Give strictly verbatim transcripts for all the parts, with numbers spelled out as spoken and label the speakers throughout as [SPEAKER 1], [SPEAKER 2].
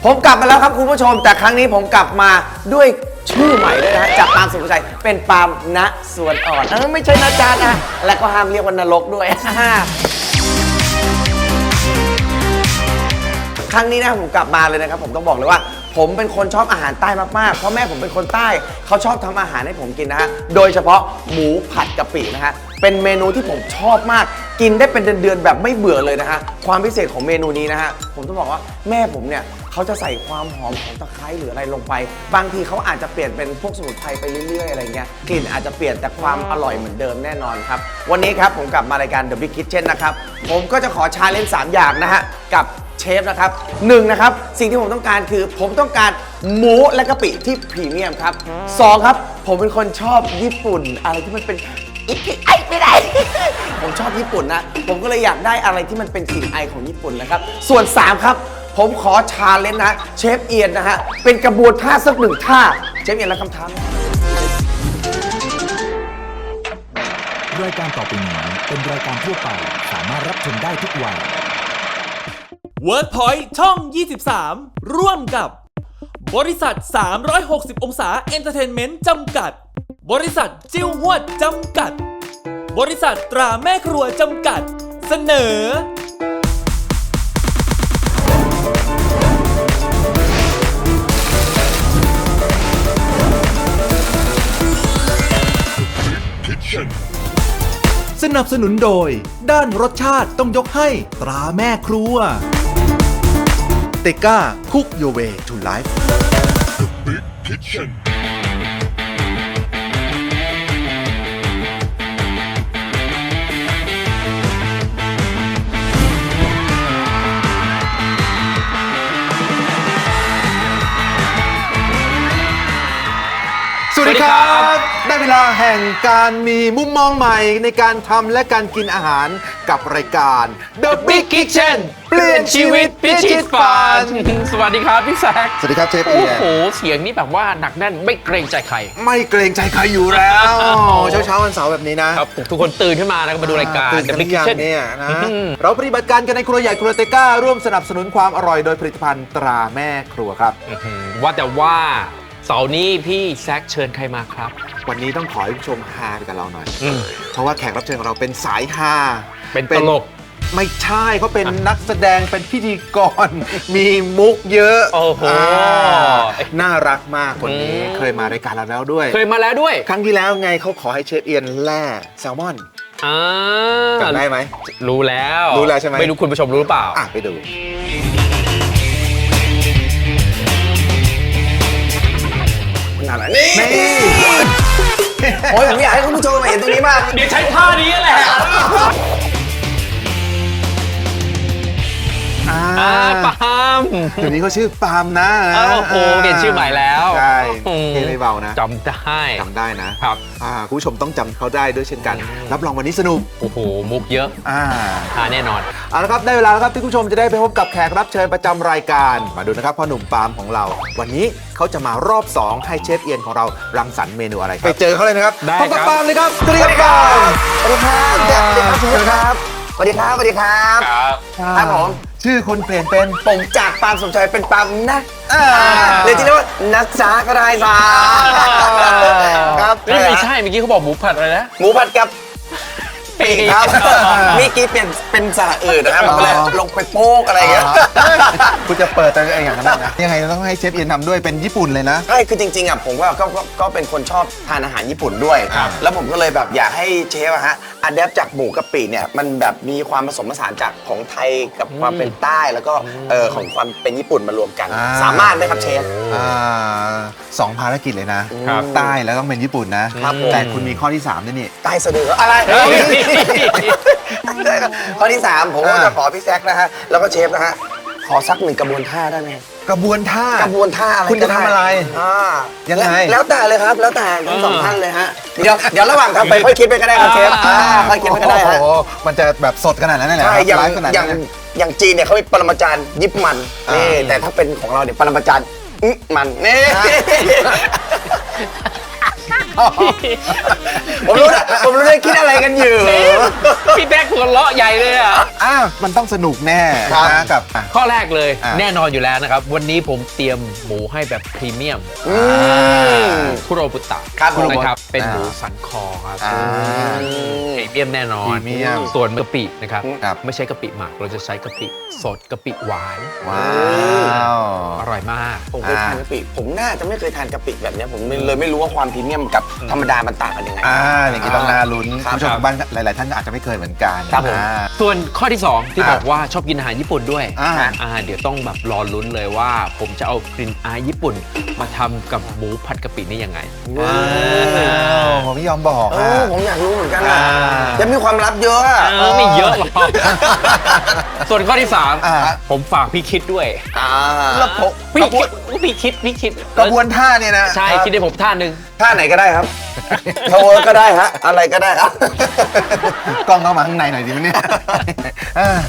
[SPEAKER 1] ผมกลับมาแล้วครับคุณผู้ชมแต่ครั้งนี้ผมกลับมาด้วยชื่อใหม่ด้วยนะฮะจากปาล์มสุภชัยเป็นปาล์มณสวนอ่อนเออไม่ใช่นะจ๊ะนะและก็ห้ามเรียกว่านรกด้วย ครั้งนี้นะผมกลับมาเลยนะครับผมต้องบอกเลยว่าผมเป็นคนชอบอาหารใต้มากๆเพราะแม่ผมเป็นคนใต้เขาชอบทำอาหารให้ผมกินนะฮะโดยเฉพาะหมูผัดกะปินะฮะเป็นเมนูที่ผมชอบมากกินได้เป็นเดือนๆแบบไม่เบื่อเลยนะฮะความพิเศษของเมนูนี้นะฮะผมต้องบอกว่าแม่ผมเนี่ยเขาจะใส่ความหอมของตะไคร้หรืออะไรลงไปบางทีเขาอาจจะเปลี่ยนเป็นพวกสมุนไพรไปเรื่อยๆอะไรเงี้ยกลิ่นอาจจะเปลี่ยนแต่ความอร่อยเหมือนเดิมแน่นอนครับวันนี้ครับผมกลับมารายการ The Big Kitchen นะครับผมก็จะขอชาเลนจ์สามอย่างนะฮะกับเชฟนะครับหนึ่งนะครับสิ่งที่ผมต้องการคือผมต้องการหมูและกะปิที่พรีเมียมครับสองครับผมเป็นคนชอบญี่ปุ่นอะไรที่มันเป็นอิกิไอไม่ได้ ผมชอบญี่ปุ่นนะผมก็เลยอยากได้อะไรที่มันเป็นกลิ่นไอของญี่ปุ่นนะครับส่วนสามครับผมขอชาเลนจ์นะเชฟเอียนนะฮะเป็นกระบวนท่าสักหนึ่งท่าเชฟเอียนรับคำท้า
[SPEAKER 2] รายการต่อไปนี้เป็นรายการทั่วไปสามารถรับชมได้ทุกวัย
[SPEAKER 3] WordPoint ช่อง ยี่สิบสาม ร่วมกับบริษัท สามร้อยหกสิบ องศาเอนเตอร์เทนเมนต์จำกัด บริษัทจิ้วหวดจำกัด บริษัทตราแม่ครัวจำกัด เสนอ
[SPEAKER 2] สนับสนุนโดยด้านรสชาติต้องยกให้ตราแม่ครัวเตก้าคุกโยเวทูไลฟ์สวัสดีครับได้เวลาแห่งการมีมุมมองใหม่ในการทำและการกินอาหารกับรายการ The Big Kitchen เปลี่ยนชีวิตพิชิตฝัน
[SPEAKER 4] สวัสดีครับพี่แซค
[SPEAKER 2] สวัสดีครับเชฟ
[SPEAKER 4] โอ้
[SPEAKER 2] เอียน
[SPEAKER 4] โหเสียงนี่แบบว่าหนักแน่นไม่เกรงใจใคร
[SPEAKER 2] ไม่เกรงใจใครอยู่แล้วเช้าเช้าๆวันเสาร์แบบนี้นะครับ
[SPEAKER 4] ทุกคนตื่นขึ้นมาแล้วก็มาดูรายการ
[SPEAKER 2] ตื่นกัน
[SPEAKER 4] The
[SPEAKER 2] ห
[SPEAKER 4] Big
[SPEAKER 2] รือยัง
[SPEAKER 4] Kitchen
[SPEAKER 2] เนี่ยนะ
[SPEAKER 4] อืม
[SPEAKER 2] เราปฏิบัติการกันในครัวใหญ่ครัวเตก้าร่วมสนับสนุนความอร่อยโดยผลิตภัณฑ์ตราแม่ครัวครับ
[SPEAKER 4] อื้อหือว่าแต่ว่าเสาร์นี้พี่แซคเชิญใครมาครับ
[SPEAKER 2] วันนี้ต้องขอให้ผู้ชมฮาไปกับเราหน่อย
[SPEAKER 4] อืม
[SPEAKER 2] เพราะว่าแขกรับเชิญของเราเป็นสายฮา
[SPEAKER 4] เป็นตลก
[SPEAKER 2] ไม่ใช่เขาเป็นนักแสดงเป็นพิธีกร มีมุกเยอะ
[SPEAKER 4] โอ้โห
[SPEAKER 2] าน่ารักมากคนนี้
[SPEAKER 4] อืม
[SPEAKER 2] เคยมารายการเราแล้วด้วย
[SPEAKER 4] เคยมาแล้วด้วย
[SPEAKER 2] ครั้งที่แล้วไงเขาขอให้เชฟเอียนแล่แซลมอน
[SPEAKER 4] อ่า
[SPEAKER 2] จำได้ไหม
[SPEAKER 4] รู้แล้ว
[SPEAKER 2] รู้แล้วใช่ไหม
[SPEAKER 4] ไม่รู้คุณผู้ชมรู้หรือเปล่า
[SPEAKER 2] อ่ะไปดู
[SPEAKER 1] ขนาดนั้นนี่
[SPEAKER 2] นี่
[SPEAKER 1] โอ้ยผมอยากให้คุณผู้ชมมาเห็นตรงนี้มาก
[SPEAKER 4] เดี๋ยวใช้ท่านี้แหละ
[SPEAKER 2] อ่า
[SPEAKER 4] อ่าปาล์ม
[SPEAKER 2] เดี๋ยวนี้เขาชื่อปาล์มนะ
[SPEAKER 4] โอ้โหเปลี่ยนชื่อใหม่แล้ว
[SPEAKER 2] ใช่
[SPEAKER 4] อืม
[SPEAKER 2] เท่ไม่เบานะ
[SPEAKER 4] จำได้
[SPEAKER 2] จำได้นะครับ อ่าคุณผู้ชมต้องจำเขาได้ด้วยเช่นกัน รับรองวันนี้สนุก
[SPEAKER 4] โอ้โหมุกเยอะ
[SPEAKER 2] อ่า
[SPEAKER 4] อ่าแน่นอน
[SPEAKER 2] เอาละครับได้เวลาแล้วครับที่คุณผู้ชมจะได้ไปพบกับแขกรับเชิญประจำรายการมาดูนะครับพ่อหนุ่มปาล์มของเรา วันนี้เขาจะมารอบสองให้เชฟเอียนของเรารังสรรค์เมนูอะไรครับไปเจอเขาเลยนะครับ
[SPEAKER 4] ได้
[SPEAKER 2] พบกับ
[SPEAKER 4] ครับ
[SPEAKER 2] ปาล์มเลยครับสวัสดีครับปาล์ม
[SPEAKER 1] สวัสดีครับสวัสดีครับสวัสดีครับสวัสดีครับ
[SPEAKER 4] ครับ
[SPEAKER 1] ครับผม
[SPEAKER 2] ชื่อคนเปลี่ยนเป็น
[SPEAKER 1] ผมจากปาล์มสมชัยเป็นปาล์มนะ
[SPEAKER 2] อ่า
[SPEAKER 1] เลยที่เรียกว่านักจ้าก็ได้จ้าครับ
[SPEAKER 4] นี่ไม่ใช่เมื่อกี้เขาบอกหมูผัดอะไรนะ
[SPEAKER 1] หมูผัดกับปีกครับเมื่อกี้เปลี่ยนเป็นสระอื่นนะครับมันก็เลยลงไปโป๊กอะไรอย่างเงี้ย
[SPEAKER 2] คุณจะเปิดแต่อย่างนั้นนะยังไงต้องให้เชฟเอียนทำด้วยเป็นญี่ปุ่นเลยนะ
[SPEAKER 1] ใช่คือจริงๆอ่ะผมก็ก็ก็ก็เป็นคนชอบทานอาหารญี่ปุ่นด้วย
[SPEAKER 2] ครับ
[SPEAKER 1] แล้วผมก็เลยแบบอยากให้เชฟอะฮะอัดแอปจากหมูกะปิเนี่ยมันแบบมีความผสมผสานจากของไทยกับความเป็นใต้แล้วก็เออของความเป็นญี่ปุ่นมารวมกัน
[SPEAKER 2] อ่า
[SPEAKER 1] สามารถไหมครับเชฟ
[SPEAKER 2] อ่าสองภารกิจเลยนะครับ ใต้แล้วต้องเป็นญี่ปุ่นนะครับ
[SPEAKER 1] ผม
[SPEAKER 2] แต่คุณมีข้อที่สามด้วยนี่
[SPEAKER 1] ใต้สะดืออะไร
[SPEAKER 4] เฮ้ย
[SPEAKER 1] ข้อที่สามผมก็
[SPEAKER 2] อ่า
[SPEAKER 1] จะขอพี่แซคนะฮะแล้วก็เชฟนะฮะขอสักหนึ่งกระบวนท่าได้ไหม
[SPEAKER 2] กระบวนท่าก
[SPEAKER 1] ระบวนท่าอะไร
[SPEAKER 2] คุณจะทำอะไร
[SPEAKER 1] อ่า
[SPEAKER 2] ยังไง
[SPEAKER 1] แล้วแล้วแต่เลยครับ แล้วแต่ทั้งสองท่านเลยฮะเดี๋ยวเดี๋ยวระหว่างทำไปค่อยคิดไปก็ได้ครับเชฟอ่าค่อยคิดไปก็ได้ฮะ
[SPEAKER 2] โอ้โหมันจะแบบสดขนาดนั้นเลยเหรอ
[SPEAKER 1] ใช่อย่าง
[SPEAKER 2] ไลฟ์ขนาด
[SPEAKER 1] อย่า
[SPEAKER 2] นั้
[SPEAKER 1] ง
[SPEAKER 2] น
[SPEAKER 1] อย่างจีนเนี่ยเขามีปรมาจารย์ยิบมัน
[SPEAKER 2] อ่านี่
[SPEAKER 1] นี่แต่ถ้าเป็นของเราเนี่ยปรมาจารย์อึมันนี่ผมรู้นะผมรู้ได้คิดอะไรกันอยู่
[SPEAKER 4] พี่แบ๊กหัวเราะใหญ่เลยอ่ะ
[SPEAKER 2] อ้าวมันต้องสนุกแน่
[SPEAKER 1] ครับ
[SPEAKER 2] นะกับอ่ะ
[SPEAKER 4] ข้อแรกเลย
[SPEAKER 2] อ่ะ
[SPEAKER 4] แน่นอนอยู่แล้วนะครับ วันนี้ผมเตรียมหมูให้แบบพรีเมียม
[SPEAKER 1] อืม
[SPEAKER 4] คุโรบุตะ
[SPEAKER 1] ครับผม
[SPEAKER 4] นะครับ เป็น
[SPEAKER 2] อ่า
[SPEAKER 4] หมูสันคอครับ
[SPEAKER 2] อ่า
[SPEAKER 4] พรีเมียมแน่นอน
[SPEAKER 2] พรีเมียม
[SPEAKER 4] ส่วนกะปินะครับ
[SPEAKER 2] ครับ
[SPEAKER 4] ไม่ใช่กะปิหมัก เราจะใช้กะปิสดกะปิหวาน
[SPEAKER 2] ว้าว
[SPEAKER 4] อร่อยมาก
[SPEAKER 1] ผมเคยทานกะปิ ผมน่าจะไม่เคยทานกะปิแบบเนี้ยผมเลยไม่รู้ว่าความพรีเมียมกับธรรมดามันต่างกันยังไง
[SPEAKER 2] อ่าอย่างนี้ต้องน่าลุ้น
[SPEAKER 1] ครับ
[SPEAKER 2] ผู้ชมทางบ้านหลาย ๆ ท่านอาจจะไม่เคยเหมือนกัน
[SPEAKER 1] ครับผม
[SPEAKER 2] อ่า
[SPEAKER 4] ส่วนข้อที่สองที่
[SPEAKER 2] อ่า
[SPEAKER 4] บอกว่าชอบกินอาหารญี่ปุ่นด้วย
[SPEAKER 2] อ่า
[SPEAKER 4] อ่าเดี๋ยวต้องแบบรอลุ้นเลยว่า ผมจะเอากลิ่นอายญี่ปุ่น มาทำกับหมูผัดกะปินี่ยังไง
[SPEAKER 2] ว้าวผมไม่ยอมบอก
[SPEAKER 1] เอ
[SPEAKER 2] อ่ะ
[SPEAKER 1] อผมอยากรู้เหมือนกันนะ
[SPEAKER 2] อ่า
[SPEAKER 1] จะมีความลับเยอะอะ
[SPEAKER 4] เออไม่เยอะหรอก ส่วนข้อที่สาม
[SPEAKER 2] อ่า
[SPEAKER 4] ผมฝากพี่คิดด้วย
[SPEAKER 1] อ่า
[SPEAKER 2] แล้วผม
[SPEAKER 4] พี่คิดพี่คิดพี่คิด
[SPEAKER 2] กระบวนท่าเนี่ยนะ
[SPEAKER 4] ใช่คิดให้ผมท่าหนึ่ง
[SPEAKER 1] ท่าไหนก็ได้ครับโทรก็ได้ฮะ อะไรก็ได้ครับ
[SPEAKER 2] กล้องเข้ามาข้างในหน่อยดิวะเนี่ยอ่า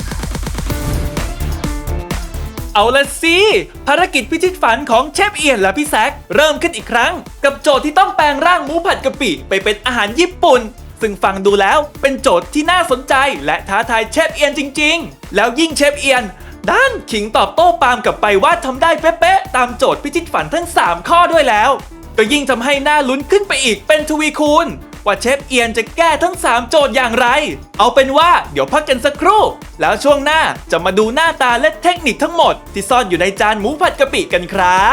[SPEAKER 3] เอาละสิภารกิจพิชิตฝันของเชฟเอียนและพี่แซคเริ่มขึ้นอีกครั้ง กับโจทย์ที่ต้องแปลงร่างหมูผัดกะปิไปเป็นอาหารญี่ปุ่น ซึ่งฟังดูแล้วเป็นโจทย์ที่น่าสนใจและท้าทายเชฟเอียนจริงๆ แล้วยิ่งเชฟเอียนด้านขิงตอบโต้ปาล์มกลับไปว่าทำได้เป๊ะๆตามโจทย์พิชิตฝันทั้งสามข้อด้วยแล้ว ก็ยิ่งทำให้น่าลุ้นขึ้นไปอีกเป็นทวีคูณว่าเชฟเอียนจะแก้ทั้งสามโจทย์อย่างไร เอาเป็นว่าเดี๋ยวพักกันสักครู่ แล้วช่วงหน้าจะมาดูหน้าตาและเทคนิคทั้งหมดที่ซ่อนอยู่ในจานหมูผัดกะปิกันครับ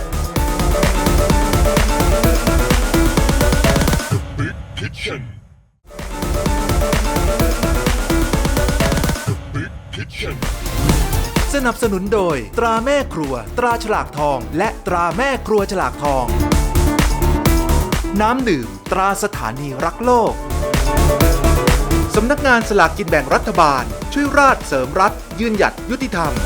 [SPEAKER 5] สนับสนุนโดยตราแม่ครัว ตราฉลากทอง และตราแม่ครัวฉลากทอง น้ำดื่ม ตราสถานีรักโลก สำนักงานสลากกินแบ่งรัฐบาล ช่วยราชเสริมรัฐ ยืนหยัดยุติธรรม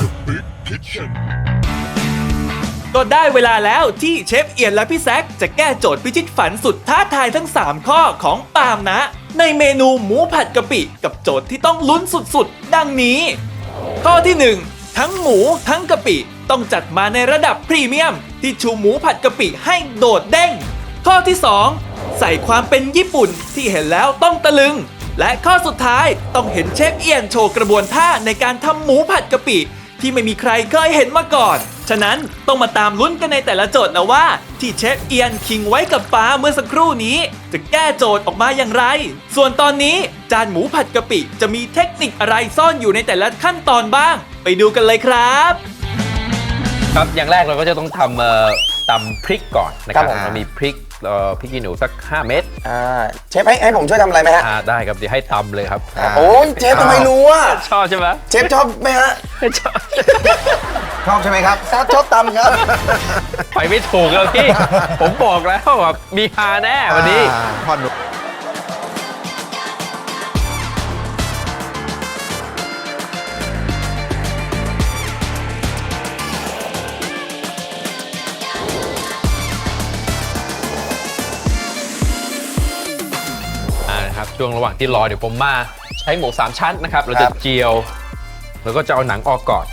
[SPEAKER 3] ก็ได้เวลาแล้วที่เชฟเอียนและพี่แซคจะแก้โจทย์พิชิตฝันสุดท้าทายทั้งสามข้อของปาล์มนะ ในเมนูหมูผัดกะปิกับโจทย์ที่ต้องลุ้นสุดๆ ดังนี้ ข้อที่หนึ่งทั้งหมูทั้งกะปิต้องจัดมาในระดับพรีเมียม ที่ชูหมูผัดกะปิให้โดดเด้ง ข้อที่สองใส่ความเป็นญี่ปุ่นที่เห็นแล้วต้องตะลึง และข้อสุดท้ายต้องเห็นเชฟเอียนโชว์กระบวนท่าในการทำหมูผัดกะปิที่ไม่มีใครเคยเห็นมาก่อน ฉะนั้นต้องมาตามลุ้นกันในแต่ละโจทย์นะว่า ที่เชฟเอียนคิงไว้กับป้าเมื่อสักครู่นี้ จะแก้โจทย์ออกมาอย่างไร ส่วนตอนนี้จานหมูผัดกะปิจะมีเทคนิคอะไรซ่อนอยู่ในแต่ละขั้นตอนบ้าง ไปดูกันเลยครับ
[SPEAKER 4] ครับอย่างแรกเราก็จะต้องทำเอ่อตำพริกก่อนนะค
[SPEAKER 1] ครั
[SPEAKER 4] รับบ
[SPEAKER 1] ผม
[SPEAKER 4] เรามีพริกเอ่อพริกขี้หนูสักห้าเม็ด
[SPEAKER 1] อ่าเชฟให้ให้ผมช่วยทำอะไรไหมฮะ
[SPEAKER 4] อ่าได้ครับเดี๋ยวให้ตำเลยครับ
[SPEAKER 1] โอ้ยเชฟทำไมรู้อ่ะ
[SPEAKER 4] ชอบใช่ไหม
[SPEAKER 1] เชฟชอบไหมฮะ
[SPEAKER 4] ชอบ
[SPEAKER 2] ชอบใช่ไหมครับ
[SPEAKER 1] ครับชอบตำครับ
[SPEAKER 4] ไปไม่ถูกแล้วพี่ ผมบอกแล้วแบบมีฮาแน่วันนี้
[SPEAKER 2] อ่าพ่อหนุ่ม
[SPEAKER 4] อ่านะครับช่วงระหว่างที่รอเดี๋ยวผมมาใช้หมูสามชั้นนะครับ เรา
[SPEAKER 1] ค
[SPEAKER 4] จะ
[SPEAKER 1] รับ
[SPEAKER 4] เจียว แล้วก็จะเอาหนังออกก่อน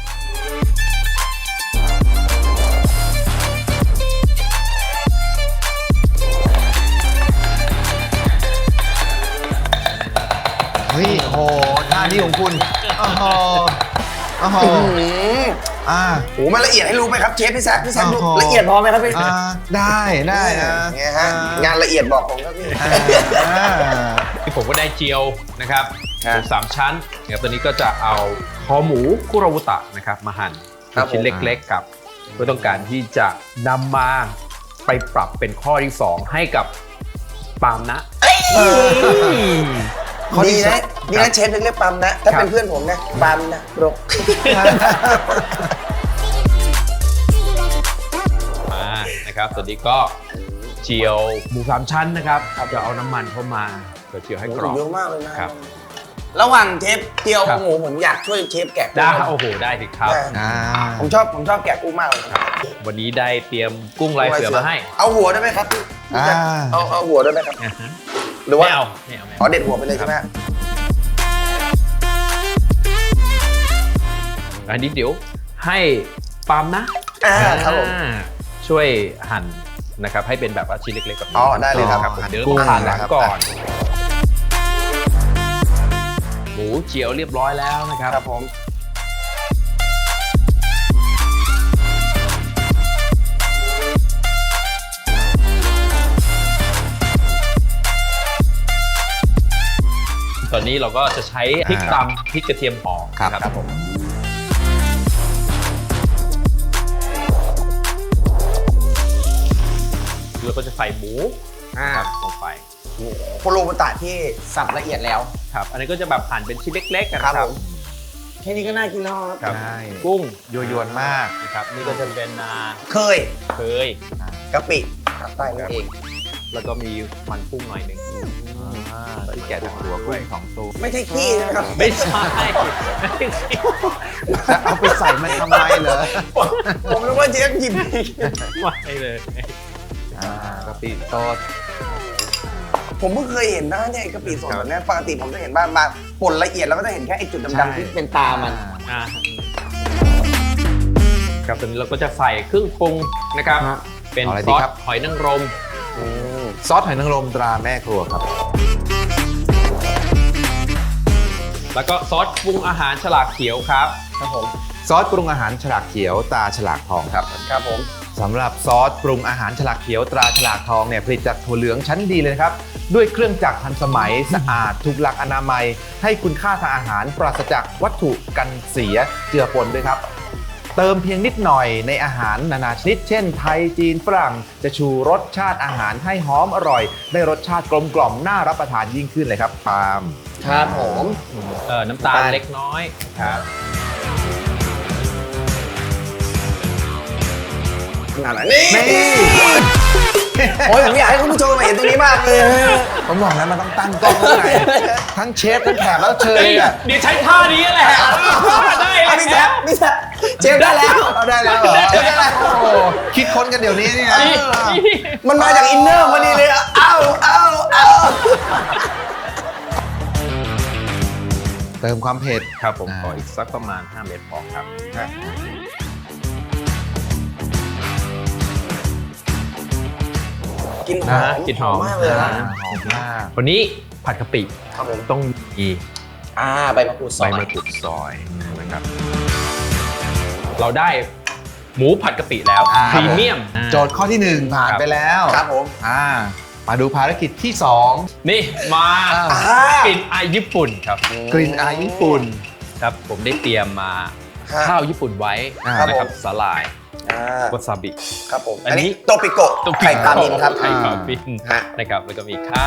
[SPEAKER 2] เฮ้ยโหท่านี้ของคุณโอ้โหโอ้โห
[SPEAKER 1] อืม
[SPEAKER 2] อ่า
[SPEAKER 1] โหมันละเอียดให้รู้ไหมครับเชฟพี่แซคพี่แซคดู
[SPEAKER 2] โอ้โห
[SPEAKER 1] ละเอียดพอไหมครับพี่
[SPEAKER 2] อ่าได้ได้นะ
[SPEAKER 1] เนี่ยฮะงานละเอียดบอกผมครับพี่
[SPEAKER 2] อ่า
[SPEAKER 4] ที่ผมก็ได้เจียวนะครับห
[SPEAKER 1] ครับ
[SPEAKER 4] มูสามชั้นนะครับตอนนี้ก็จะเอาคอหมูคุโรบุตะนะครับมาหั่น
[SPEAKER 1] ครับ
[SPEAKER 4] เป็นชิ้น
[SPEAKER 1] ผม
[SPEAKER 4] เล็กๆกับเพื่อต้องการที่จะนำมาไปปรับเป็นข้อที่สองให้กับปาล์มนะ
[SPEAKER 1] ข้อดีนะดีนะเชฟถึงเรียกปั๊มนะ ถ้าเป็นเพื่อนผมนะปั๊มนะรก
[SPEAKER 4] มานะครับตอนนี้ก็เจียวหมูสามชั้นนะครับจะเอาน้ำมันเข้ามาเพื่อเจียวให้กรอบ
[SPEAKER 1] เยอะมากเลยนะครับ ระหว่างเชฟเจียว
[SPEAKER 4] ครับ
[SPEAKER 1] หมูผมอยากช่วยเชฟแกะกุ้ง
[SPEAKER 4] ได้โอ้โหได้สิครับ
[SPEAKER 1] ได้
[SPEAKER 2] อ่า
[SPEAKER 1] ผมชอบผมชอบแกะกุ้งมากเลยครับ
[SPEAKER 4] วันนี้ได้เตรียมกุ้งลายเสือมาให้
[SPEAKER 1] เอาหัวได้ไหมครับพี่
[SPEAKER 2] อ่า
[SPEAKER 1] เอาเอาหัวได้ไหมครับ
[SPEAKER 4] อ่าฮะ
[SPEAKER 1] หรือว่า
[SPEAKER 4] ไม่เอาไม่เอาไม่
[SPEAKER 1] อ๋อ
[SPEAKER 4] เอา
[SPEAKER 1] เด็ดหัวไปเลยใช่ไหมฮะ
[SPEAKER 4] อันนี้เดี๋ยวให้ปาล์มนะ
[SPEAKER 1] อ่าครับผม
[SPEAKER 4] อ่าช่วยหั่นนะครับให้เป็นแบบว่าชิ้นเล็กๆแบบนี้
[SPEAKER 1] อ๋อได้เลยครับ
[SPEAKER 4] ผมเดี๋ยว
[SPEAKER 2] กุ้
[SPEAKER 4] เรา
[SPEAKER 2] ง
[SPEAKER 4] ต้องหั่นหลัง
[SPEAKER 2] นะครับ
[SPEAKER 4] ก่อน หมูเจียวเรียบร้อยแล้วนะครับ
[SPEAKER 1] ครับผม
[SPEAKER 4] ตอนนี้เราก็จะใช้พริกตำพริกกระเทียมหอม
[SPEAKER 2] ครับ
[SPEAKER 4] นะครับผมเราก็จะใส่หมู
[SPEAKER 1] อ่า
[SPEAKER 4] ครับลงไป
[SPEAKER 1] โคโรบุตะที่สับละเอียดแล้ว
[SPEAKER 4] ครับอันนี้ก็จะแบบหั่นเป็นชิ้นเล็กๆกัน
[SPEAKER 1] ครับ
[SPEAKER 4] นะค
[SPEAKER 1] ผ
[SPEAKER 4] รับ
[SPEAKER 1] มแค่นี้ก็น่ากินแล้วครับ
[SPEAKER 4] ครับ
[SPEAKER 2] ใช่
[SPEAKER 4] กุ้ง
[SPEAKER 2] ยั่วยวนมาก
[SPEAKER 4] นะครับนี่ก็จะเป็นนา
[SPEAKER 1] เคย
[SPEAKER 4] เคย
[SPEAKER 1] กะปิภาคใต้นั่นเอง
[SPEAKER 4] แล้วก็มีมันกุ้งหน่อยหนึ่ง
[SPEAKER 2] ที่แกะจากตัวกุ้งสองตัว
[SPEAKER 1] ไม่ใช่ขี้นะครับ
[SPEAKER 4] ไม่ใช่
[SPEAKER 2] จะเอาไปใส่มันทำไมเหรอ
[SPEAKER 1] ผมนึกว่าเชฟหยิบ
[SPEAKER 4] ไม่เลย
[SPEAKER 2] อ่ากะปิสด
[SPEAKER 1] ผมเพิ่งเคยเห็นนะเนี่ยกะปิสดแบบนี้ปกติผมจะเห็นบ้างมาป่นละเอียดแล้วก็จะเห็นแค่ไอ้จุด
[SPEAKER 2] ใช่
[SPEAKER 1] ดำๆที่เป็นตามัน
[SPEAKER 4] อ่าครับตอนนี้เราก็จะใส่เครื่องปรุงนะครับ
[SPEAKER 1] ฮะ
[SPEAKER 4] เป็น
[SPEAKER 2] เอาอะไร
[SPEAKER 4] ซ
[SPEAKER 2] ดี
[SPEAKER 4] อส
[SPEAKER 2] ครับ
[SPEAKER 4] หอยนางรม
[SPEAKER 2] ซอสหอยนางรมตราแม่ครัวครับ
[SPEAKER 4] แล้วก็ซอสปรุงอาหารฉลากเขียวครับ
[SPEAKER 1] ครับผม
[SPEAKER 2] ซอสปรุงอาหารฉลากเขียวตราฉลากทองครับ
[SPEAKER 1] ครับผม
[SPEAKER 2] สำหรับซอสปรุงอาหารฉลากเขียวตราฉลากทองเนี่ยผลิตจากถั่วเหลืองชั้นดีเลยนะครับ ด้วยเครื่องจักรทันสมัย สะอาดถูกหลักอนามัย ให้คุณค่าทางอาหารปราศจากวัตถุกันเสียเจือปนด้วยครับ เติมเพียงนิดหน่อยในอาหารนานาชนิด เช่นไทยจีนฝรั่งจะชูรสชาติอาหารให้หอมอร่อย ได้รสชาติกลมกล่อมน่ารับประทานยิ่งขึ้นเลยครับปาล์ม
[SPEAKER 1] ครับผม
[SPEAKER 4] เอ่อน้ำตาล
[SPEAKER 1] น้ำตาล
[SPEAKER 4] เล็กน้อยครับ
[SPEAKER 1] ขนาดนั้นนี่
[SPEAKER 2] นี่
[SPEAKER 1] โอ้ยผมอยากให้คุณผู้ชมมาเห็นตรงนี้มากเลย
[SPEAKER 2] ผมบอกแล้วมันต้องตั้งกล้องข้างในทั้งเชฟทั้งแขกแล้วเชิญเนี่ย
[SPEAKER 4] เดี๋ยวใช้ท่านี้แหละได้
[SPEAKER 1] อ่ะพี่แจ๊บพี่แจ๊บเชฟได้แล้ว
[SPEAKER 2] เอาได้แล้วเหรอ
[SPEAKER 1] เชฟได้แล้ว
[SPEAKER 2] โอ้โหคิดค้นกันเดี๋ยวนี้เนี่ย
[SPEAKER 1] มันมาจากอินเนอร์พอดีเลยอะเอ้าเอ้าเอ้า
[SPEAKER 2] เติมความเผ็ด
[SPEAKER 4] ครับผม
[SPEAKER 2] อ่า
[SPEAKER 4] ขออีกสักประมาณห้าเม็ดพอครับ
[SPEAKER 1] กลินหอ
[SPEAKER 4] นะ
[SPEAKER 1] ม
[SPEAKER 4] กลิ่นหอม
[SPEAKER 1] มากเลย
[SPEAKER 2] อ่า
[SPEAKER 1] นะ
[SPEAKER 2] หอมมาก
[SPEAKER 4] วันนี้ผัดกะปิ
[SPEAKER 1] ครับผม
[SPEAKER 4] ต้องมี
[SPEAKER 1] อ่าใบมะกรูดซ
[SPEAKER 4] ใบ
[SPEAKER 1] อย
[SPEAKER 4] มะกรูดซอยนะครับ เราได้หมูผัดกะปิแล้ว
[SPEAKER 2] อ่า
[SPEAKER 4] พรีเมียม
[SPEAKER 2] โจทย์ข้อที่หนึ่งผ่าน
[SPEAKER 4] ครับ
[SPEAKER 2] ไปแล้ว
[SPEAKER 1] ครับผม
[SPEAKER 2] อ่ามาดูภารกิจที่สอง
[SPEAKER 4] นี่มา
[SPEAKER 1] อ่าก
[SPEAKER 4] ลิ่นอายญี่ปุ่นครับ
[SPEAKER 2] กลิ่นอายญี่ปุ่น
[SPEAKER 4] ครับ ผมได้เตรียมมา
[SPEAKER 1] ครับ
[SPEAKER 4] ข้าวญี่ปุ่นไว้
[SPEAKER 2] อ่า
[SPEAKER 4] นะครับสาหร่าย
[SPEAKER 1] อ่าว
[SPEAKER 4] าซาบิ
[SPEAKER 1] ครับผม
[SPEAKER 4] อั
[SPEAKER 1] อั
[SPEAKER 4] น
[SPEAKER 1] น
[SPEAKER 4] นี้
[SPEAKER 1] นี้โตปิโกะไข่ปลามินครับ
[SPEAKER 4] ไข่ปลาบิน
[SPEAKER 1] ฮะ
[SPEAKER 4] นะครับแล้วก็มีข้าว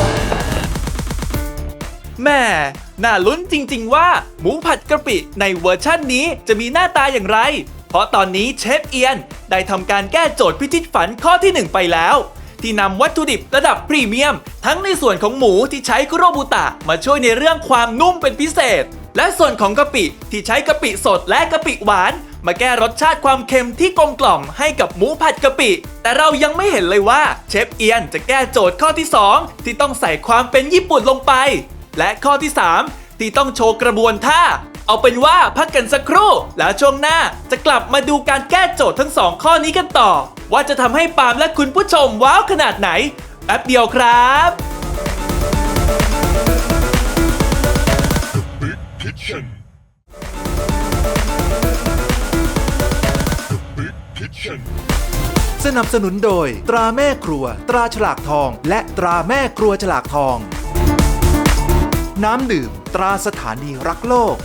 [SPEAKER 3] แม่น่าลุ้นจริงๆว่าหมูผัดกะปิในเวอร์ชั่นนี้จะมีหน้าตาอย่างไร เพราะตอนนี้เชฟเอียนได้ทำการแก้โจทย์พิชิตฝันข้อที่หนึ่งไปแล้ว ที่นำวัตถุดิบระดับพรีเมียม ทั้งในส่วนของหมูที่ใช้คุโรบุตะมาช่วยในเรื่องความนุ่มเป็นพิเศษ และส่วนของกะปิที่ใช้กะปิสดและกะปิหวาน มาแก้รสชาติความเค็มที่กลมกล่อมให้กับหมูผัดกะปิ แต่เรายังไม่เห็นเลยว่าเชฟเอียนจะแก้โจทย์ข้อที่สองที่ต้องใส่ความเป็นญี่ปุ่นลงไป และข้อที่สามที่ต้องโชว์กระบวนท่า เอาเป็นว่าพักกันสักครู่ แล้วช่วงหน้าจะกลับมาดูการแก้โจทย์ทั้งสองข้อนี้กันต่อ ว่าจะทำให้ปาล์มและคุณผู้ชมว้าวขนาดไหน แป๊บเดียวครับ
[SPEAKER 5] สนับสนุนโดย ตราแม่ครัว ตราฉลากทอง และตราแม่ครัวฉลากทอง น้ำดื่ม ตราสถานีรักโลก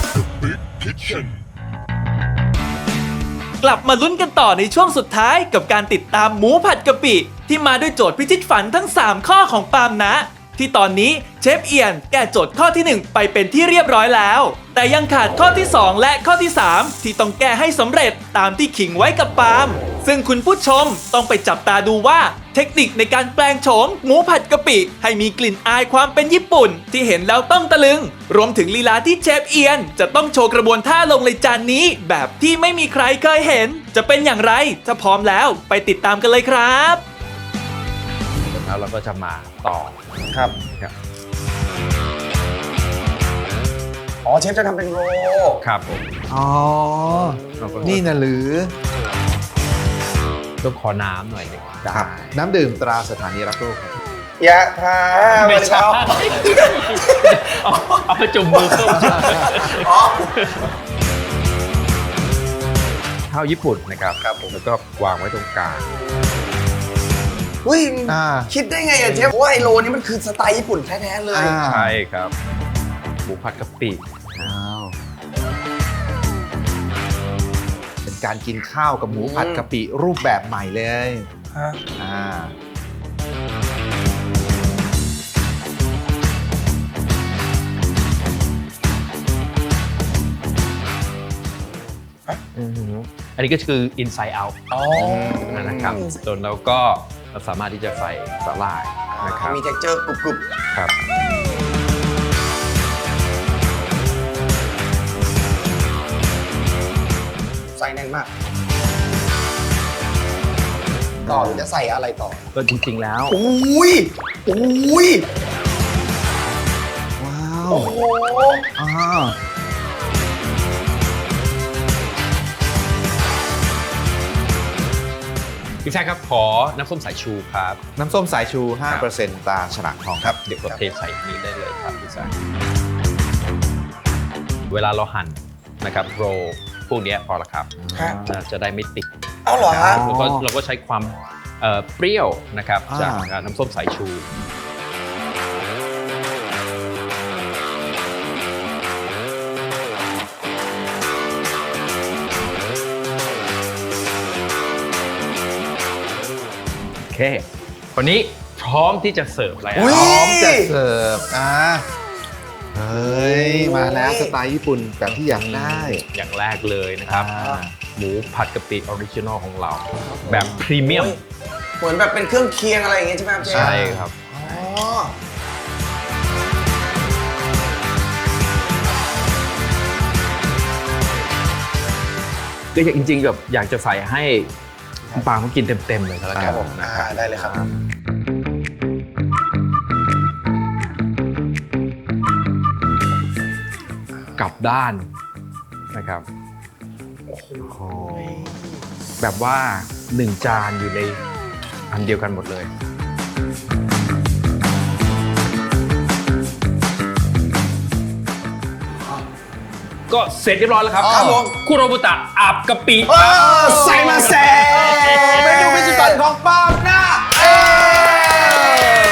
[SPEAKER 3] กลับมาลุ้นกันต่อในช่วงสุดท้ายกับการติดตามหมูผัดกะปิ ที่มาด้วยโจทย์พิชิตฝันทั้ง สาม ข้อของปาล์มนะ ที่ตอนนี้เชฟเอียนแก้โจทย์ข้อที่ หนึ่ง ไปเป็นที่เรียบร้อยแล้ว แต่ยังขาดข้อที่ สอง และข้อที่ สาม ที่ต้องแก้ให้สำเร็จตามที่ขิงไว้กับปาล์มซึ่งคุณผู้ชมต้องไปจับตาดูว่าเทคนิคในการแปลงโฉมหมูผัดกะปิ ให้มีกลิ่นอายความเป็นญี่ปุ่น ที่เห็นแล้วต้องตะลึง รวมถึงลีลาที่เชฟเอียนจะต้องโชว์กระบวนท่าลงในจานนี้ แบบที่ไม่มีใครเคยเห็น จะเป็นอย่างไรถ้าพร้อมแล้วไปติดตามกันเลยครับ
[SPEAKER 4] แล้วเราก็จะมาต่อ
[SPEAKER 1] ครับ
[SPEAKER 4] ครับ
[SPEAKER 1] อ๋อเชฟจะทำเป็นโรล
[SPEAKER 4] ครับผม
[SPEAKER 2] อ๋อ นี่นะหรือ
[SPEAKER 4] ต้องขอน้ำหน่อยหนึง
[SPEAKER 2] ครับน้ำดื่มตราสถานีรักโลกครับ
[SPEAKER 1] ยะทา
[SPEAKER 4] ไม่ใช่
[SPEAKER 1] เอา
[SPEAKER 4] เอาเอาไปจุ่มมือเพิ่ม
[SPEAKER 1] อ๋อ
[SPEAKER 4] ข้าวญี่ปุ่นนะครับครับผมแล้วก็วางไว้ตรงกลาง
[SPEAKER 1] อุ้ย
[SPEAKER 2] อ่า
[SPEAKER 1] คิดได้ไงอะเชฟว่าไอโลนี้มันคือสไตล์ญี่ปุ่นแท้ๆเลย
[SPEAKER 2] อ่า
[SPEAKER 4] ใช่ครับหมูผัดกะปิ
[SPEAKER 2] อ้าวเป็นการกินข้าวกับหมูผัดกะปิรูปแบบใหม่เลย
[SPEAKER 1] ฮะ
[SPEAKER 2] อ่า
[SPEAKER 4] อันนี้ก็คือ inside out
[SPEAKER 1] อ๋อ
[SPEAKER 4] นะครับจนแล้วก็เราสามารถที่จะใส่สาหร่ายนะครับ
[SPEAKER 1] มี texture กรุบ
[SPEAKER 4] ครับ
[SPEAKER 1] ๆใส่แน่นมาก ต่อหรือจะใส่อะไรต่อ
[SPEAKER 4] ก็จริงๆแล้ว
[SPEAKER 1] อุ้ยอุ้ย
[SPEAKER 2] ว้าว
[SPEAKER 1] โอ้โห
[SPEAKER 2] อ่า
[SPEAKER 4] พี่แซคครับขอน้ำส้มสายชูครับ
[SPEAKER 2] น้ำส้มสายชู ห้าเปอร์เซ็นต์ ตราฉลากทองครับ
[SPEAKER 4] เดี๋ยวกดเทใส่นี้ได้เลยครับพี่แซคเวลาเราหั่นนะครับโรลพวกเนี้ยพอละครับ
[SPEAKER 1] ฮะ
[SPEAKER 4] จะจะได้ไม่ติด
[SPEAKER 1] เอาเหรอฮะ
[SPEAKER 4] แล้วก็เราก็ใช้ความเอ่อเปรี้ยวนะครับ
[SPEAKER 2] อ่า
[SPEAKER 4] จากน้ำส้มสายชู โอเควันนี้พร้อมที่จะเสิร์ฟแล้ว
[SPEAKER 1] อุ๊ย
[SPEAKER 2] พร้อมจะเสิร์ฟอ่าเฮ้ย มาแล้วสไตล์ญี่ปุ่นแบบที่อยากได้
[SPEAKER 4] อย่างแรกเลยนะครับ
[SPEAKER 2] อ่า
[SPEAKER 4] หมูผัดกะปิออริจินอลของเรา แบบพรีเมียม
[SPEAKER 1] เหมือนแบบเป็นเครื่องเคียงอะไรอย่างเงี้ยใช่ไหมครับเชฟ
[SPEAKER 4] ใช่ครับ
[SPEAKER 1] อ๋อ
[SPEAKER 4] ก็จริงๆแบบอยากจะใส่ให้คุณปาล์มเขากินเต็มๆเลยก็แล้ว
[SPEAKER 1] ค
[SPEAKER 4] กั
[SPEAKER 1] รั
[SPEAKER 4] น
[SPEAKER 1] บผม
[SPEAKER 4] นะ
[SPEAKER 1] อ่า
[SPEAKER 4] ครับ
[SPEAKER 1] ได้เลยครับ
[SPEAKER 4] กลับด้านนะครับโอ้โหแบบว่าหนึ่งจานอยู่ในอันเดียวกันหมดเลย ก็เสร็จเรียบร้อยแล้วครับ
[SPEAKER 1] ครับผม
[SPEAKER 4] คุโรบุตะอาบกะปิ
[SPEAKER 1] เออใส่มาแซ่เมนูพิชิตของปาล์มนะเอ้ย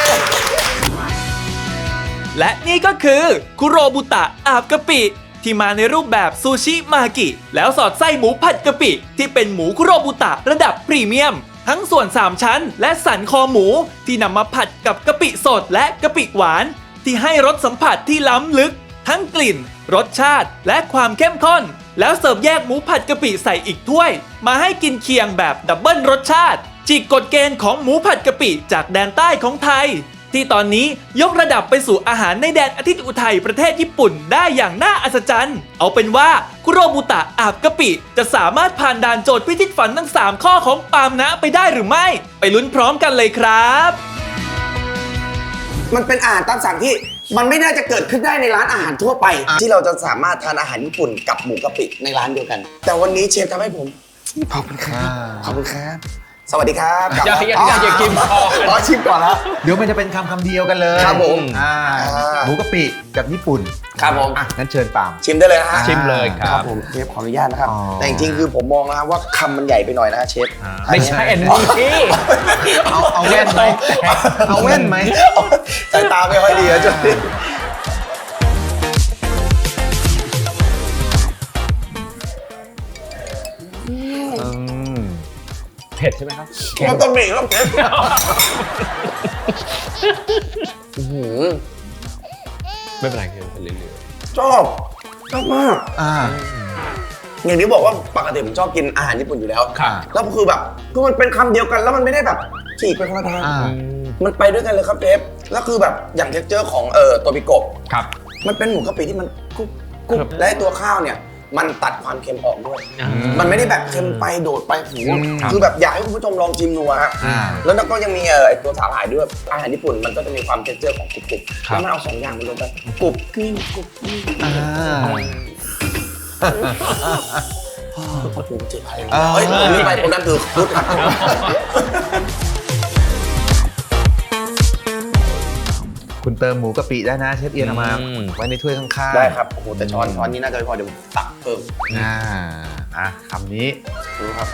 [SPEAKER 3] และนี่ก็คือคุโรบุตะอาบกะปิ ที่มาในรูปแบบซูชิมากิ แล้วสอดไส้หมูผัดกะปิ ที่เป็นหมูคุโรบุตะระดับพรีเมียม ทั้งส่วนสามชั้นและสันคอหมูที่นำมาผัดกับกะปิสดและกะปิหวาน ที่ให้รสสัมผัสที่ล้ำลึก ทั้งกลิ่น รสชาติและความเข้มข้น แล้วเสิร์ฟแยกหมูผัดกะปิใส่อีกถ้วย มาให้กินเคียงแบบดับเบิลรสชาติจิกกฎเกณฑ์ของหมูผัดกะปิจากแดนใต้ของไทย ที่ตอนนี้ยกระดับไปสู่อาหารในแดนอาทิตย์อุทัยประเทศญี่ปุ่นได้อย่างน่าอัศจรรย์ เอาเป็นว่าคุโรบุตะอาบกะปิจะสามารถผ่านด่านโจทย์พิชิตฝันทั้งสามข้อของปาล์มนะไปได้หรือไม่ ไปลุ้นพร้อมกันเลยครับ
[SPEAKER 1] มันเป็นอาหารตามสั่งที่มันไม่น่าจะเกิดขึ้นได้ในร้านอาหารทั่วไป ที่เราจะสามารถทานอาหารญี่ปุ่นกับหมูกะปิในร้านเดียวกัน แต่วันนี้เชฟทำให้ผมขอบคุณครับขอบคุณครับสวัสดีครับ
[SPEAKER 4] อย่าอย่าอย่าอย่ากินก่อน
[SPEAKER 1] อ๋อชิมก่อนแล้ว
[SPEAKER 2] เดี๋ยวมันจะเป็นคำคำเดียวกันเลย
[SPEAKER 1] ครับผม
[SPEAKER 2] อ่า
[SPEAKER 1] อ่า
[SPEAKER 2] หมูกะปิกับญี่ปุ่น
[SPEAKER 1] ครับผม
[SPEAKER 2] อ่ะงั้นเชิญปาล์ม
[SPEAKER 1] ชิมได้เลยนะฮะ
[SPEAKER 4] ชิมเลยค
[SPEAKER 1] ค
[SPEAKER 4] รั
[SPEAKER 1] รั
[SPEAKER 4] บบ
[SPEAKER 1] ผมเชฟขออนุญาตนะครับ
[SPEAKER 2] อ๋อ
[SPEAKER 1] แต่จริงๆคือผมมองนะครับว่าคำมันใหญ่ไปหน่อยนะฮะเชฟ
[SPEAKER 4] ไม่ใช่อันนี้
[SPEAKER 2] เอาเอาแว่นไหมเอาแว่นไหม
[SPEAKER 1] สายตาไม่ค่อยดีอะจุดนี้
[SPEAKER 2] อืม
[SPEAKER 4] เผ็ดใช่ไหมครับ
[SPEAKER 1] มันต้องมีครับเชฟอื้อหือ
[SPEAKER 4] ไม่เป็นไรคือเรื่อย
[SPEAKER 1] ชอบชอบมาก
[SPEAKER 2] อ่า
[SPEAKER 1] อย่างที่บอกว่าปกติผมชอบกินอาหารญี่ปุ่นอยู่แล้ว
[SPEAKER 2] ค่ะ
[SPEAKER 1] แล้วคือแบบคือมันเป็นคำเดียวกันแล้วมันไม่ได้แบบฉีกไปคนละทาง
[SPEAKER 2] อ่า
[SPEAKER 1] มันไปด้วยกันเลยครับเชฟแล้วคือแบบอย่างเท็กเจอร์ของเอ่อตัวปิโกะ
[SPEAKER 4] ๆครับ
[SPEAKER 1] มันเป็นหมูกะปิที่มันกรุบกรุบและไอ้ตัวข้าวเนี่ยมันตัดความเค็มออกด้วย
[SPEAKER 4] อ่า
[SPEAKER 1] มันไม่ได้แบบเค็มไปโดดไปหู
[SPEAKER 2] อืม
[SPEAKER 1] คือแบบอยากให้คุณผู้ชมลองชิมดูอะฮะ
[SPEAKER 2] อ่า
[SPEAKER 1] แล้วก็ยังมีเอ่อไอ้ตัวสาหร่ายด้วยอาหารญี่ปุ่นมันก็จะมีความเท็กเจอร์ของกรุบกรุบ
[SPEAKER 4] ครับ
[SPEAKER 1] แล้วมันเอาสองอย่างมารวมกันกรุบกริ้งกรุบกริ้ง
[SPEAKER 2] อ่า
[SPEAKER 1] พระภูมิเจ็ดพัน
[SPEAKER 2] อ่า
[SPEAKER 1] เฮ้ยผมลืมไปคนนั้นคือพุทธ
[SPEAKER 2] คุณเติมหมูกะปิได้นะเชฟเอียนเอามา
[SPEAKER 4] อืม
[SPEAKER 2] ไว้ในถ้วยข้างๆ
[SPEAKER 1] ได้ครับโอ้โหแต่ช้อนช้อนนี้น่าจะไม่พอเดี๋ยวผมตักเพิ่ม
[SPEAKER 2] อ่าอ่ะคำนี้
[SPEAKER 1] ดูครับ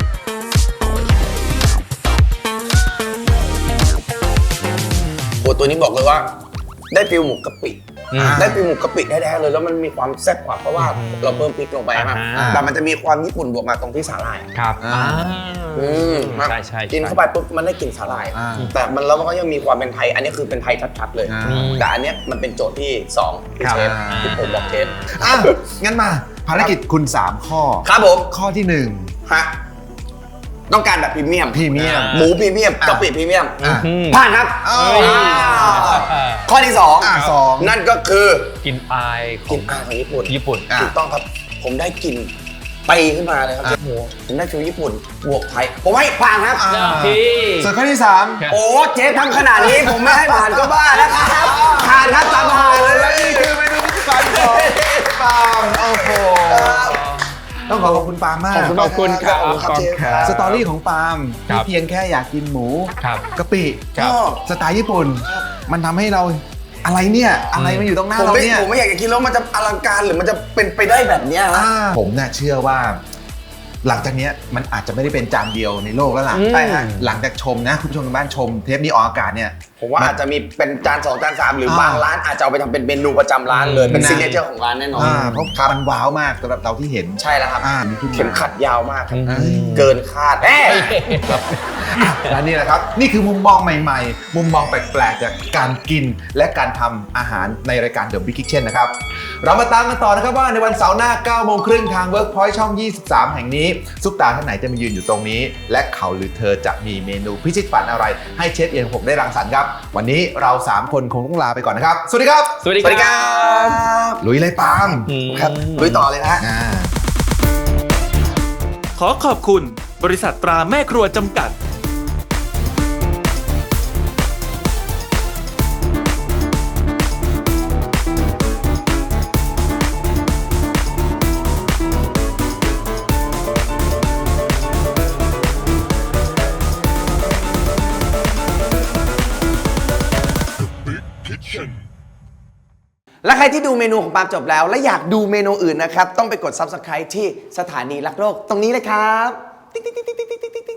[SPEAKER 1] โอ้ตัวนี้บอกเลยว่า ได้ฟิลหมูกะปิ
[SPEAKER 4] อืม
[SPEAKER 1] ได้ฟิลหมูกะปิแท้ๆเลยแล้วมันมีความแซ่บกว่าเพราะว่าเราเพิ่มพริกลงไปครับ
[SPEAKER 4] อ่า
[SPEAKER 1] แต่มันจะมีความญี่ปุ่นบวกมาตรงที่สาหร่าย
[SPEAKER 4] ครับ
[SPEAKER 2] อ่า
[SPEAKER 4] อ่า
[SPEAKER 1] อืม
[SPEAKER 4] ใช่ใช่
[SPEAKER 1] กินเข้าไปปุ๊บมันได้กลิ่นสาหร่าย
[SPEAKER 2] อ่า
[SPEAKER 1] แต่มันแล้วมันก็ยังมีความเป็นไทย อันนี้คือเป็นไทยชัดๆเลย
[SPEAKER 2] อ่า
[SPEAKER 1] แต่อันเนี้ยมันเป็นโจทย์ที่สองที่
[SPEAKER 4] ครับ
[SPEAKER 1] เชฟที่ผมบอกเชฟ
[SPEAKER 2] อ่ะงั้นมาภารกิจคุณ สาม ข้อ
[SPEAKER 1] ครับผม
[SPEAKER 2] ข้อที่หนึ่ง
[SPEAKER 1] ฮะต้องการแบบพรีเมียม
[SPEAKER 2] พรีเมียม
[SPEAKER 1] หมูพรีเมียมกะปิพรีเมียม
[SPEAKER 2] อ่ะ
[SPEAKER 4] อืม
[SPEAKER 1] ผ่านครับ
[SPEAKER 2] เอ้ย
[SPEAKER 1] อ่าข้อที่สอง
[SPEAKER 2] อ่ะสอง
[SPEAKER 1] นั่นก็คือ
[SPEAKER 4] กินอายข
[SPEAKER 1] ก
[SPEAKER 4] อ
[SPEAKER 1] ลิ่
[SPEAKER 4] ง
[SPEAKER 1] นอายของญี่ปุ่น
[SPEAKER 4] ญี่ปุ่น
[SPEAKER 2] อ่ะ
[SPEAKER 1] ถูกต้องครับ ผมได้กลิ่นปีขึ้นมาเลยครับเชฟหมูผมได้ฟิลญี่ปุ่นบวกไทย ผมให้ผ่านครับ
[SPEAKER 2] อ่ะ
[SPEAKER 4] ที่
[SPEAKER 2] ส่วนข้อที่สาม
[SPEAKER 4] ครับ
[SPEAKER 1] โอ้เชฟทำขนาดนี้ผมไม่ให้ผ่านก็บ้าแล้วครับผ่านครับตามผ่านเลย
[SPEAKER 2] และนี่คือเมนูพิธีการของปาล์มโอ้โหต้องขอขอบคุณปาล์มมาก
[SPEAKER 4] ขอบคุณครับ
[SPEAKER 1] ขอบคุณครับเชฟ
[SPEAKER 4] ครับ
[SPEAKER 2] สตอรี่ของปาล์ม
[SPEAKER 4] ครั
[SPEAKER 2] ที่
[SPEAKER 4] บ
[SPEAKER 2] เพียงแค่อยากกินหมู
[SPEAKER 4] ครับ
[SPEAKER 2] กะปิ
[SPEAKER 4] ครับ
[SPEAKER 2] สไตล์ญี่ปุ่น มันทำให้เราอะไรเนี่ยอะไรมันอยู่ตรงหน้า
[SPEAKER 1] ผม
[SPEAKER 2] เรา
[SPEAKER 1] ไม่
[SPEAKER 2] เนี่ย
[SPEAKER 1] ผมไม่อยากจะคิดแล้วมันจะอลังการหรือมันจะเป็นไปได้แบบเนี้ยฮะ
[SPEAKER 2] อ่าผมน่ะเชื่อว่า หลังจากเนี้ยมันอาจจะไม่ได้เป็นจานเดียวในโลกแล้วล่ะ
[SPEAKER 4] อืม
[SPEAKER 2] ใช่ฮะหลังจากชมนะคุณผู้ชมทางบ้านชมเทปนี้ออกอากาศเนี่ย
[SPEAKER 1] ผมว่าอาจจะมีเป็นจานสองจานสามหรือ
[SPEAKER 2] อ่า
[SPEAKER 1] บางร้านอาจจะเอาไปทำเป็นเมนูประจำร้านเลย เป็น
[SPEAKER 2] นะ
[SPEAKER 1] ซิกเนเจอร์ของร้านแน่นอน
[SPEAKER 2] อ่าเพราะมันว้าวมากสำหรับเราที่เห็น
[SPEAKER 1] ใช่แล้วครับ
[SPEAKER 2] อ่ามีขึ้นมา
[SPEAKER 1] เข็มขัดยาวมากครับ
[SPEAKER 4] อืม
[SPEAKER 1] เกินคาดแน่
[SPEAKER 2] และนี่แหละครับ นี่คือมุมมองใหม่ๆ มุมมองแปลกๆ จากการกินและการทำอาหารในรายการ The Big Kitchen นะครับ เรามาตามกันต่อนะครับว่าในวันเสาร์หน้าเก้าโมงครึ่งทาง Workpoint ช่อง ยี่สิบสาม แห่งนี้ ซุปตาท่านไหนจะมายืนอยู่ตรงนี้ และเขาหรือเธอจะมีเมนูพิชิตฝันอะไร ให้เชฟเอียนผมได้รังสรรค์ครับ วันนี้เราสามคนคงต้องลาไปก่อนนะครับ สวัสดีครับ
[SPEAKER 4] สวัสดี
[SPEAKER 1] สวัสดีครับ
[SPEAKER 2] ลุยเลยปาล์ม
[SPEAKER 4] อืม
[SPEAKER 1] ครับลุยต่อเลยนะฮะ
[SPEAKER 2] อ่า
[SPEAKER 3] ขอขอบคุณ บริษัทตราแม่ครัวจำกัด
[SPEAKER 1] และใครที่ดูเมนูของปาล์มจบแล้ว และอยากดูเมนูอื่นนะครับ ต้องไปกด ซับสไครบ์ ที่สถานีรักโลกตรงนี้เลยครับติ๊กติ๊กติ๊กติ๊กติ๊กติ๊ก